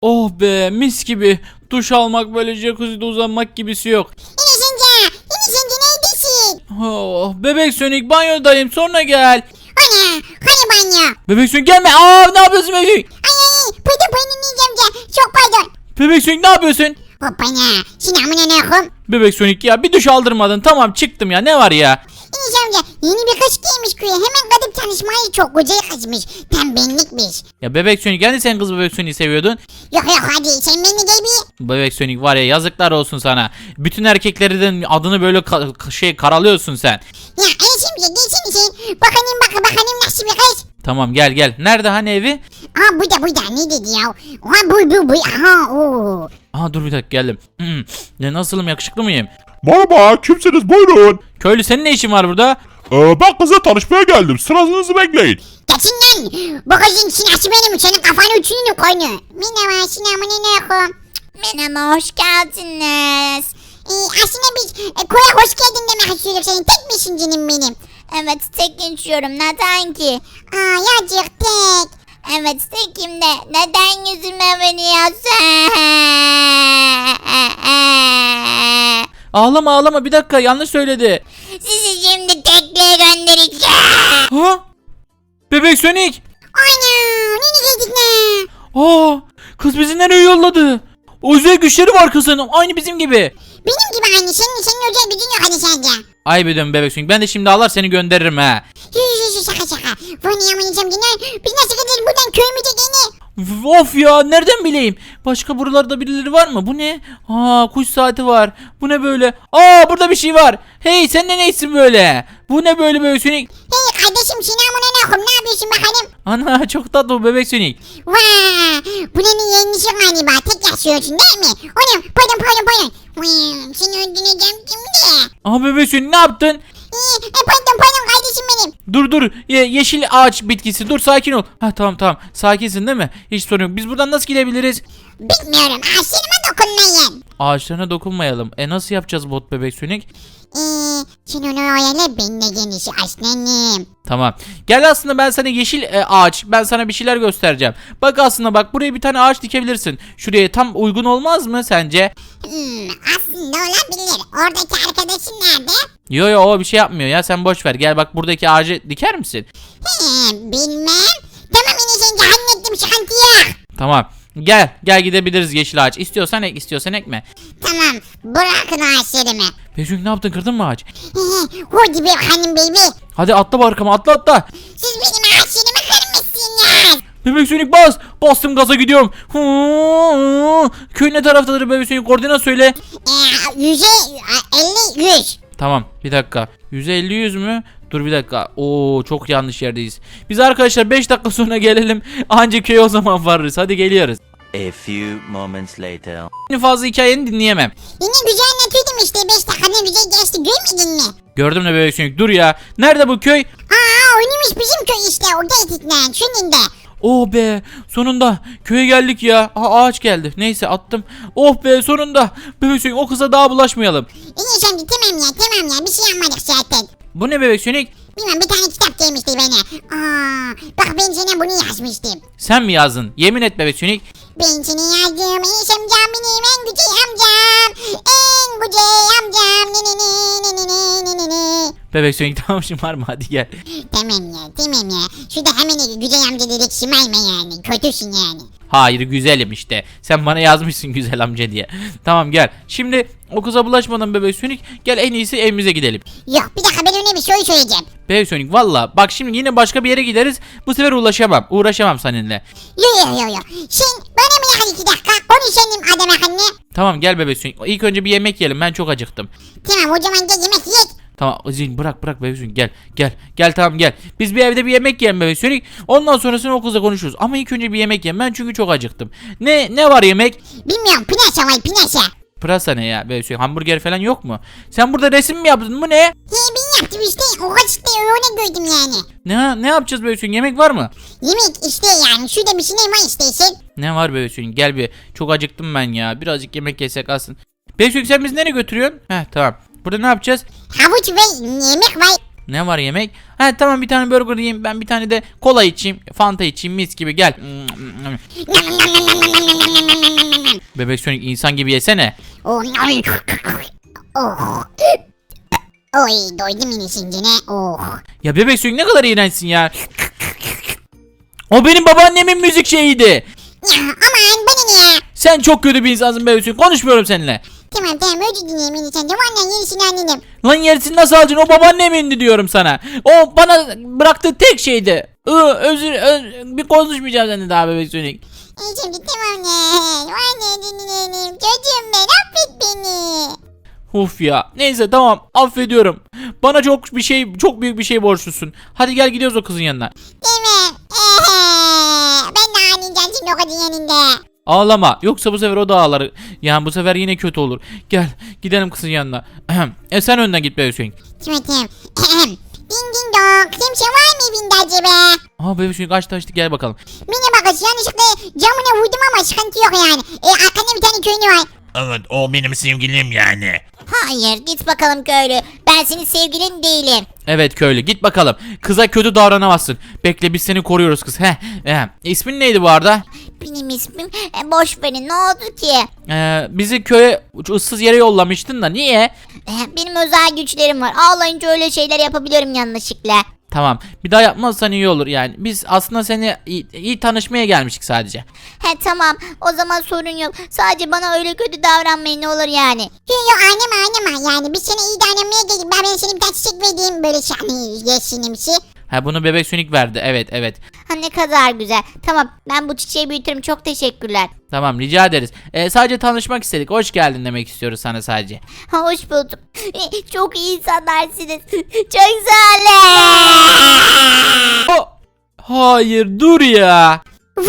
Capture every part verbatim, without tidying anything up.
Oh be, mis gibi. Duş almak, böyle jacuzzi'de uzanmak gibisi yok. Enes amca. Enes amca neredesin? Oh, bebek Sonic, banyodayım, sonra gel. Ana. Hani banyo? Bebek Sonic gelme. Aa, ne yapıyorsun bebek Sonic? Ay ay. Pardon pardon Enes amca. Çok pardon. Bebek Sonic ne yapıyorsun? Hoppana. Sinamun aleyküm. Bebek Sonic ya, bir duş aldırmadın. Tamam, çıktım ya, ne var ya? Enes amca yeni bir kız giymiş köye. Hemen kadın tanışmayı çok güzel kızmış. Tam benlikmiş. Ya bebek Sonic, hani sen kız bebek Sonic'i seviyordun? Yok yok hadi sen beni gel bir. Bebek Sonic var ya, yazıklar olsun sana. Bütün erkeklerden adını böyle ka- şey karalıyorsun sen. Ya Enes amca gelsene sen. Bakalım bak bakalım nasıl bir kız. Tamam, gel gel. Nerede hani evi? Aa bu da bu da ne dedi ya? Aha bu bu bu. Aha o. Aha, dur bir dakika, geldim. Hmm. Ne, nasılım, yakışıklı mıyım? Merhaba, kimsiniz? Buyurun. Köylü, senin ne işin var burada? Ee, ben kızla tanışmaya geldim. Sıranızı bekleyin. Geçin lan. Bu kızın sinası benim. Senin kafanı uçunu koynu. Merhaba sinamun aleyküm. Merhaba hoş geldiniz. Ee, aslında biz e, koya hoş geldin demek istiyoruz. Senin tek misin canım benim? Evet tek geçiyorum neden ki? Aa yacık tek. Evet tekim de neden yüzüme veriyorsun? Ağlama ağlama, bir dakika, yanlış söyledi. Sizi şimdi tekliğe göndereceğim. Ha? Bebek Sonic. Ana nene geldik ne? Aa, kız bizi nereye yolladı? Özel güçleri var kızın, aynı bizim gibi. Benim gibi anne senin, senin özel gücün yok hani sence. Ay be dön Bebek Sonic, ben de şimdi ağlar seni gönderirim ha. Yüz yüz şaka şaka. Bu ne yamanacağım dinler. Biz nasıl gidelim buradan köyümüze gene? Of ya, nereden bileyim? Başka buralarda birileri var mı? Bu ne? Aa, kuş saati var. Bu ne böyle? Aa, burada bir şey var. Hey, sen de neysin böyle? Bu ne böyle Bebek Sonic? Hey kardeşim sinamun aleyküm ne yapıyorsun bakalım? Ana, çok tatlı bu Bebek Sonic. Vaa bu nenin yenisi galiba tek yaşıyorsun değil mi? Onu pardon pardon pardon. Vaa seni öldüreceğim şimdi. Aa, Bebek Sonic ne yaptın? Ee, e, pardon pardon kardeşim benim. Dur dur, Ye- yeşil ağaç bitkisi, dur, sakin ol. Ha, tamam tamam, sakinsin değil mi? Hiç sorun yok. Biz buradan nasıl gidebiliriz? Bilmiyorum aşırıma dokunmayın. Ağaçlarına dokunmayalım. E nasıl yapacağız bot Bebek Sonic? Eee sen onu öyle benimle genişi aslanım. Tamam. Gel, aslında ben sana yeşil e, ağaç, ben sana bir şeyler göstereceğim. Bak, aslında bak, buraya bir tane ağaç dikebilirsin. Şuraya tam uygun olmaz mı sence? Hmm, aslında olabilir. Oradaki arkadaşın nerede? Yo yo, o bir şey yapmıyor ya, sen boş ver. Gel bak, buradaki ağacı diker misin? He, bilmem. Tamam yine sence hallettim sıkıntı yok. Tamam. Gel gel, gidebiliriz yeşil ağaç. İstiyorsan ek, istiyorsan ekme. Tamam bırakın ağaçlarımı. Bebek, ne yaptın, kırdın mı ağaç? Hehe, hadi bakalım baby. Hadi atla barkama, atla atla. Siz benim ağaçlarımı kırmışsınız. Bebek Sonic bas. Bastım gaza, gidiyorum. Köy ne taraftadır Bebek Sonic, koordinat söyle. Eee yüze elli yüz. Tamam, bir dakika. yüz elli yüz mü? Dur bir dakika. Oo, çok yanlış yerdeyiz. Biz arkadaşlar beş dakika sonra gelelim. Anca köye o zaman varırız. Hadi geliyoruz. A few moments later. Fazla hikayeni dinleyemem. Yine güzel anlatıyordum işte beş dakika ne güzel geçti görmedin mi? Gördüm de Bebek Sonic, dur ya. Nerede bu köy? Aa oynamış bizim köy işte o geytikten şunun da. Oh be, sonunda köye geldik ya. Aa, ağaç geldi. Neyse, attım. Oh be, sonunda. Bebek Sonic, o kıza daha bulaşmayalım. İyi şimdi tamam ya tamam ya bir şey yapmadık zaten. Bu ne Bebek Sonic? Bilmem bir tane kitap gelmişti bana. Aa, bak ben sana bunu yazmıştım. Sen mi yazdın? Yemin et Bebek Sonic. Ben seni yazdım Enes amcam benim en güzel amcam. En güzel amcam. Ne ne ne ne ne ne ne ne. Bebek Sonic, tamam, şımarma, hadi gel. Tamam ya tamam ya. Şurada hemen güzel amca dedik şımarma yani. Kötüsün yani. Hayır, güzelim işte. Sen bana yazmışsın güzel amca diye. Tamam, gel. Şimdi o kıza bulaşmadan Bebek Sonic, gel en iyisi evimize gidelim. Yok bir dakika ben ona bir şey söyleyeceğim. Bebek Sonic, valla bak, şimdi yine başka bir yere gideriz. Bu sefer ulaşamam. Uğraşamam seninle. Yo yo yo yo. Sen bana mı yakın iki dakika konuşalım adam akıllı. Tamam, gel Bebek Sonic. İlk önce bir yemek yiyelim. Ben çok acıktım. Tamam o zaman gel yemek yiyek. Tamam Zin, bırak bırak Bebek Sonic, gel gel gel, tamam gel. Biz bir evde bir yemek yiyelim Bebek Sonic. Ondan sonrasını o kızla konuşuruz. Ama ilk önce bir yemek yiyeyim ben, çünkü çok acıktım. Ne ne var yemek? Bilmiyorum pinaşa var pinaşa. Pırasa ne ya Bebek Sonic? Hamburger falan yok mu? Sen burada resim mi yaptın? Bu ne? He ben yaptım işte o kaçta öyle gördüm yani. Ne ne yapacağız Bebek Sonic? Yemek var mı? Yemek işte yani şurada bir şey var istersen. Ne var Bebek Sonic? Gel bir. Çok acıktım ben ya. Birazcık yemek yesek aslında. Bebek Sonic, sen bizi nereye götürüyorsun? Heh, tamam. Burada ne yapacağız? Havuç ve yemek var. Ne var yemek? Ha tamam, bir tane burger yiyeyim. Ben bir tane de kola içeyim. Fanta içeyim, mis gibi, gel. Bebek Sonic, insan gibi yesene. Oh. Oh. Oy doydum yine şimdi ne? Oh. Ya Bebek Sonic ne kadar iğrençsin ya. O benim babaannemin müzik şeyiydi. Ya aman bana ne ya? Sen çok kötü bir insansın Bebek Sonic. Konuşmuyorum seninle. Tamam tamam özür dilerim yine sen de vallahi yenisini anladım. Lan yerisini nasıl alacaksın? O babaannemindi diyorum sana. O bana bıraktığı tek şeydi. I, özür, öz- bir konuşmayacağım seninle daha Bebek Sonic. E şimdi tamam ne? Vallahi dinleyelim. Çocuğum ben affet beni. Uf ya. Neyse tamam, affediyorum. Bana çok bir şey, çok büyük bir şey borçlusun. Hadi gel gidiyoruz o kızın yanına. Değil mi? Ehe. Ben de ağlayacağım şimdi o kadın yanında. Ağlama. Yoksa bu sefer o da ağlar. Yani bu sefer yine kötü olur. Gel gidelim kızın yanına. e sen önden git Bebek Sonic. Tamam tamam. Ding ding dong. Kimse var mı evinde acaba? Aa Bebek Sonic açtı açtı, gel bakalım. Mine bakış yanlışlıkla camına vurdum ama sıkıntı yok yani. E arkanda bir tane köylü var. Evet, o benim sevgilim yani. Hayır git bakalım köylü. Ben senin sevgilin değilim. Evet köylü, git bakalım. Kıza kötü davranamazsın. Bekle, biz seni koruyoruz kız. Heh. Heh. İsmin neydi bu arada? Benim ismim e, boş verin, ne oldu ki? Ee, bizi köye ıssız yere yollamıştın da niye? E, Benim özel güçlerim var. Ağlayınca öyle şeyler yapabiliyorum yanlışlıkla. Tamam, bir daha yapmazsan iyi olur yani. Biz aslında seni iyi, iyi tanışmaya gelmiştik sadece. He tamam, o zaman sorun yok. Sadece bana öyle kötü davranmayın ne olur yani. Yok yok anlama anlama yani biz sana iyi davranmaya geldik. Ben, ben sana bir tane çiçek vereyim böyle şey hani yeşilimsi. Ha, bunu Bebek Sonic verdi, evet evet. Ha ne kadar güzel. Tamam, ben bu çiçeği büyütürüm, çok teşekkürler. Tamam, rica ederiz. Ee, sadece tanışmak istedik. Hoş geldin demek istiyoruz sana sadece. Ha, hoş bulduk. E, Çok iyi insanlarsınız. Çok sağ olun. Oh! Hayır, dur ya.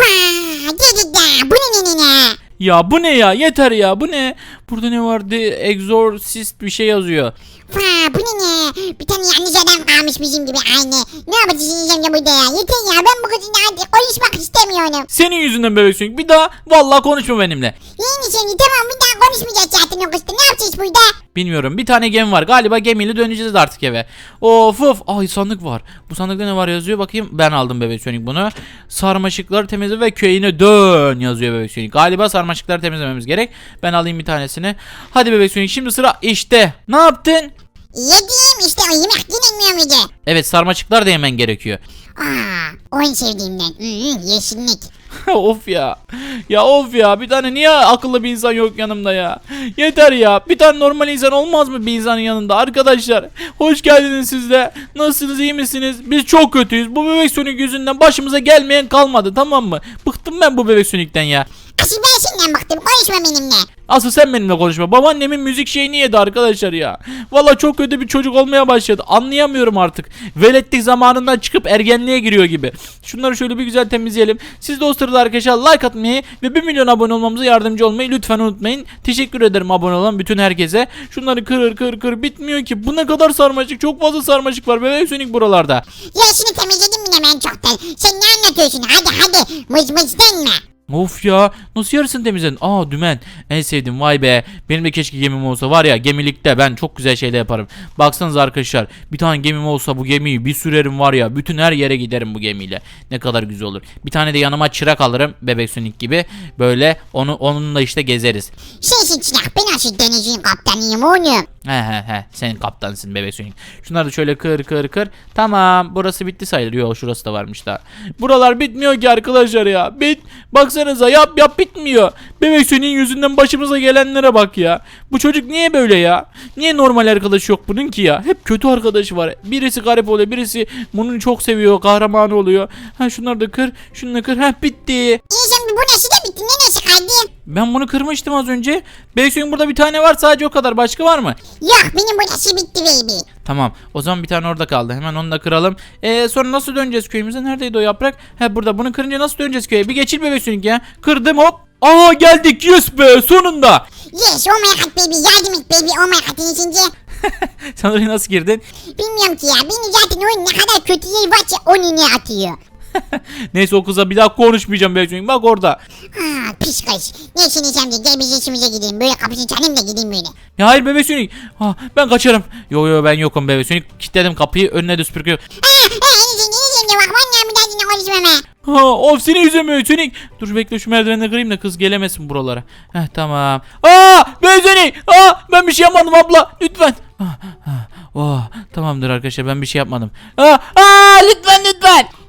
Vaa dedik de bu ne ne ne ne. Ya bu ne ya? Yeter ya. Bu ne? Burada ne vardı? Exorcist bir şey yazıyor. Vaa bu ne ne. Bir tane yanlış adam kalmış bizim gibi aynı. Ne yapacağız şimdi burada ya. Yeter ya ben bu kızınla artık konuşmak istemiyorum. Senin yüzünden Bebek Sonic. Bir daha vallahi konuşma benimle. Yeni şimdi tamam bir daha konuşmayacağız zaten o kızla. Ne yapacağız burada? Bilmiyorum. Bir tane gemi var. Galiba gemiyle döneceğiz artık eve. Of of. Ay, sandık var. Bu sandıkta ne var yazıyor? Bakayım. Ben aldım Bebek Sonic bunu. Sarmaşıkları temizle ve köyüne dön yazıyor Bebek Sonic. Galiba sarmaşıkları temizlememiz gerek. Ben alayım bir tanesini. Hadi Bebek Sonic, şimdi sıra işte. Ne yaptın? Yediğim işte o yemek yenilmiyor muydu? Evet, sarmaşıklar da yemen gerekiyor. Aa, o en sevdiğimden. Hmm, yeşillik. Of ya. Ya of ya. Bir tane niye akıllı bir insan yok yanımda ya? Yeter ya. Bir tane normal insan olmaz mı bir insanın yanında? Arkadaşlar, hoş geldiniz siz de. Nasılsınız, iyi misiniz? Biz çok kötüyüz. Bu Bebek Sonic yüzünden başımıza gelmeyen kalmadı, tamam mı? Bıktım ben bu Bebek Sonic'ten ya. Asıl ben senden baktım. Konuşma benimle. Asıl sen benimle konuşma. Babaannemin müzik şeyini yedi arkadaşlar ya. Valla çok kötü bir çocuk olmaya başladı. Anlayamıyorum artık. Veletlik zamanından çıkıp ergenliğe giriyor gibi. Şunları şöyle bir güzel temizleyelim. Siz de o sırada arkadaşlar like atmayı ve bir milyon abone olmamıza yardımcı olmayı lütfen unutmayın. Teşekkür ederim abone olan bütün herkese. Şunları kırır kır kır bitmiyor ki. Bu ne kadar sarmaşık. Çok fazla sarmaşık var Bebek Sonic buralarda. Ya işini temizledim bile ben çoktan. Sen ne anlatıyorsun? Hadi hadi. Mıç mıç denme. Of ya, nasıl yarısını temizledin? Aa, dümen, en sevdiğim, vay be. Benim de keşke gemim olsa, var ya, gemilikte ben çok güzel şeyler yaparım. Baksanıza arkadaşlar, bir tane gemim olsa bu gemiyi bir sürerim var ya, bütün her yere giderim bu gemiyle. Ne kadar güzel olur. Bir tane de yanıma çırak alırım Bebek Sonic gibi, böyle onu onunla işte gezeriz. Sensin çırak. Ben asıl denizin kaptanıyım oğlum. He he he, sen kaptansın Bebek Sonic. Şunları da şöyle kır kır kır. Tamam, burası bitti sayılır. Yok, şurası da varmış daha. Buralar bitmiyor ki arkadaşlar ya. Bit baksanıza, yap yap bitmiyor. Bebek Sonic'in yüzünden başımıza gelenlere bak ya. Bu çocuk niye böyle ya? Niye normal arkadaş yok bunun ki ya? Hep kötü arkadaşı var. Birisi garip oluyor, birisi bunu çok seviyor, kahramanı oluyor. Ha, şunları da kır, şunu da kır. Ha, bitti. İyi şimdi bu nasıl da bitti? Ne nesi kaldı? Ben bunu kırmıştım az önce. Bebek Sonic'in burada bir tane var, sadece o kadar. Başka var mı? Yok benim bu nasıl bitti baby. Tamam, o zaman bir tane orada kaldı. Hemen onu da kıralım. Ee, sonra nasıl döneceğiz köyümüze? Neredeydi o yaprak? He, burada. Bunu kırınca nasıl döneceğiz köye? Bir geçil Bebek Sonic ya. Kırdım, hop. Aha, geldik, yes be, sonunda. Yes oh my god baby. Yardım et baby. Oh my god iyisince. Sen oraya nasıl girdin? Bilmiyorum ki ya. Beni zaten oyun ne kadar kötü yer varsa onu ne atıyor. Neyse o kıza bir daha konuşmayacağım bebek Sonic. Bak orada. Ha pis kız. Neyse neyse amca gel biz işimize gidelim. Böyle kapısını çalayım da gideyim böyle. Ya hayır bebek Sonic. Ha, ben kaçarım. Yo yo ben yokum bebek Sonic. Kilitledim kapıyı, önüne de süpürge. Ha ha Enes amca Enes amca bak vallahi bir daha seninle konuşmam ha. Ha, of seni yüzemiyor Sonic. Dur bekle şu merdivenle kırayım da kız gelemesin buralara. Heh tamam. Aa bebek Sonic. Aa ben bir şey yapmadım abla. Lütfen. Ah, ah, oh, tamamdır arkadaşlar ben bir şey yapmadım. Aa, aa lütfen lütfen.